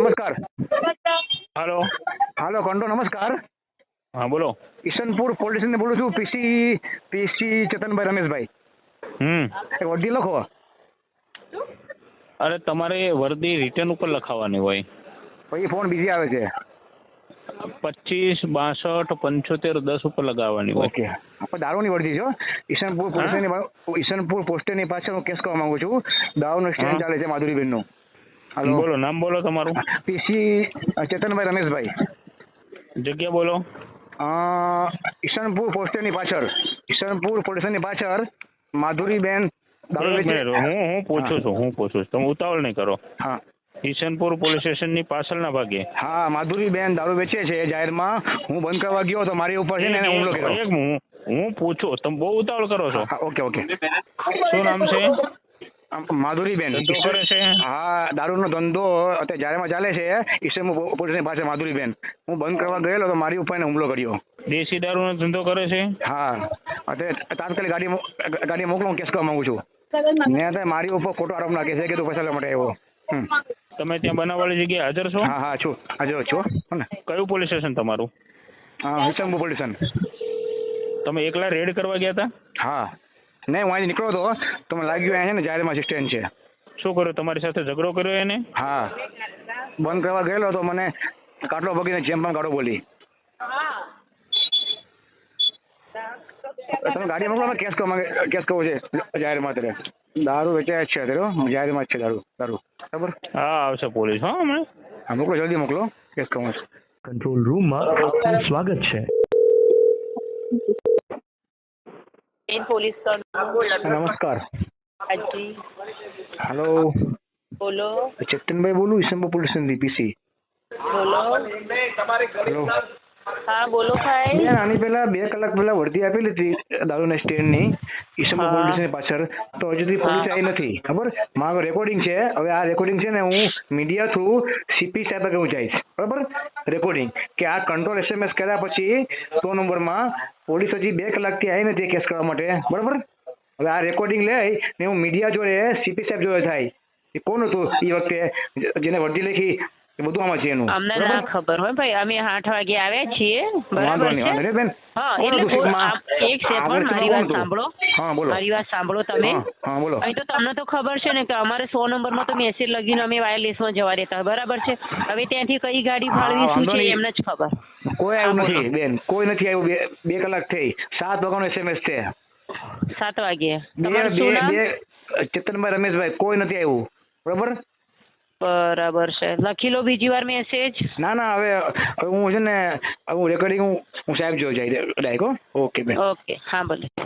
નમસ્કાર. હાલો. હાલો કંટો નમસ્કાર. હા બોલો. ઈશનપુર પોલીસ સ્ટેશન બોલું છું. પીસી ચેતનભાઈ રમેશભાઈ. એક વર્દી લખો. અરે તમારે વર્દી રિટર્ન ઉપર લખાવવાની હોય. પછી ફોન બીજી આવે છે. 25 62 75 10 ઉપર લગાવવાની હોય. ઓકે. આપણે દારૂની વર્દી છો. ઈશનપુર પોસ્ટની પાછળ હું કેસ કરવા માંગુ છું. દારૂનો સ્ટેન્ડ ચાલે છે માધુરીબેનનું. હાલો. બોલો, નામ બોલો તમારું. પીસી ચેતનભાઈ રમેશભાઈ. જગ્યા બોલો. ઈશનપુર પોસ્ટની પાછળ, ઈશનપુર પોલીસની પાછળ માધુરીબેન દારૂ એક વેચે. મિનિટ, હું પૂછું છું તમે ઉતાવળ નહીં કરો. હા ઈશનપુર પોલીસ સ્ટેશનની પાછળના ભાગે. હા માધુરીબેન દારૂ વેચે છે જાહેરમાં. હું બંધ કરવા ગયો તો મારી ઉપર છે ને એને હુમલો કર્યો. હું પૂછું, તમે બહુ ઉતાવળ કરો છો. હા, ઓકે. શું નામ છે? માધુરીબેન. ધંધો કરે છે? હા, દારૂનો ધંધો અત્યારે જાહેરમાં ચાલે છે ઈશનપુર પોલીસની પાસે. માધુરીબેન, હું બંધ કરવા ગયેલો તો મારી ઉપર એને હુમલો કર્યો. દેશી દારૂનો ધંધો કરે છે? હા, અત્યારે તાત્કાલિક ગાડી મોકલો, હું કેસ કરવા માંગુ છું. ને અત્યારે મારી ઉપર ખોટો આરોપ નાખે છે કે તું પૈસા લેવા માટે આવ્યો. તમે ત્યાં બનાવવાળી જગ્યાએ હાજર છો? હા છું, હાજર છું. ને કયું પોલીસ સ્ટેશન તમારું? Ishanpur police station. તમે એકલા રેડ કરવા ગયા હતા? હા, નહીં હું અહીંથી નીકળ્યો હતો તો મને લાગ્યું અહીંયા છે ને જાહેરમાં અસિસ્ટન્ટ છે. શું કર્યું? તમારી સાથે ઝઘડો કર્યો એને? હા, બંધ કરવા ગયેલો તો મને કાટલો ભગીને જેમ પણ કાઢો બોલી. તમે ગાડી મોકલો, કેસ કરવો છે જાહેરમાં. અત્યારે દારૂ વેચાય જ છે અત્યારે જાહેરમાં જ છે દારૂ. બરાબર? હા, આવશે પોલીસ. હા, હમણાં. હા, મોકલો, જલ્દી મોકલો, કેસ કરવો છે. કંટ્રોલ રૂમમાં આપનું સ્વાગત છે. પોલીસ નમસ્કાર. હાજી હેલો, બોલો. ચેતનભાઈ બોલું, ઈશનપુર પોલીસ સ્ટેશનથી પીસી. બોલો. હેલો. હા બોલો ભાઈ. બેન, આની પહેલા 2 કલાક પહેલા વર્દી આપેલી હતી દારૂના સ્ટેન્ડની ઈશનપુર પોલીસ સ્ટેશનની પાછળ. તો હજુ સુધી પોલીસ આવી નથી. ખબર? મારું રેકોર્ડિંગ છે. હવે આ રેકોર્ડિંગ છે ને હું મીડિયા થ્રુ સીપી સાહેબ આગળ હું જઈશ. બરાબર? રેકોર્ડિંગ કે આ કંટ્રોલ SMS કર્યા પછી 100 નંબરમાં પોલીસ હજી 2 કલાકથી આવી નથી કેસ કરવા માટે. બરાબર? હવે આ રેકોર્ડિંગ લઈ ને હું મીડિયા જોડે સીપી સાહેબ જોડે થાય. એ કોણ હતું એ વખતે જેને વર્દી લખી? બધું આમાં છે એનું. અમને ના ખબર હોય ભાઈ, અમે 8 વાગે આવ્યા છીએ. બરાબર છે. બેન, હા, કોણ એટલે હતું સીપમાં? એક સેકન્ડ મારી વાત સાંભળો. હા બોલો. મારી વાત સાંભળો તમે. હા બોલો. અહીં તો તમને તો ખબર છે ને કે અમારે 100 નંબરમાં તો મેસેજ લગીને અમે વાયરલેસમાં જવા દેતા. બરાબર છે? હવે ત્યાંથી કઈ ગાડી ફાળવી શું છે એમને જ ખબર. કોઈ આવ્યું નથી બેન, કોઈ નથી આવ્યું. 2 કલાક થઈ. 7 વાગ્યાનો SMS છે. 7 વાગે. તમારું શું નામ? ચેતનભાઈ રમેશભાઈ. કોઈ નથી આવ્યું. બરાબર? બરાબર છે. લખી લો બીજી વાર મેસેજ. ના હવે હું છે ને હું રેકોર્ડિંગ હું સાહેબ જોઈ જાય ડાયરેક્ટ. ઓકે બેન. ઓકે, હા ભલે.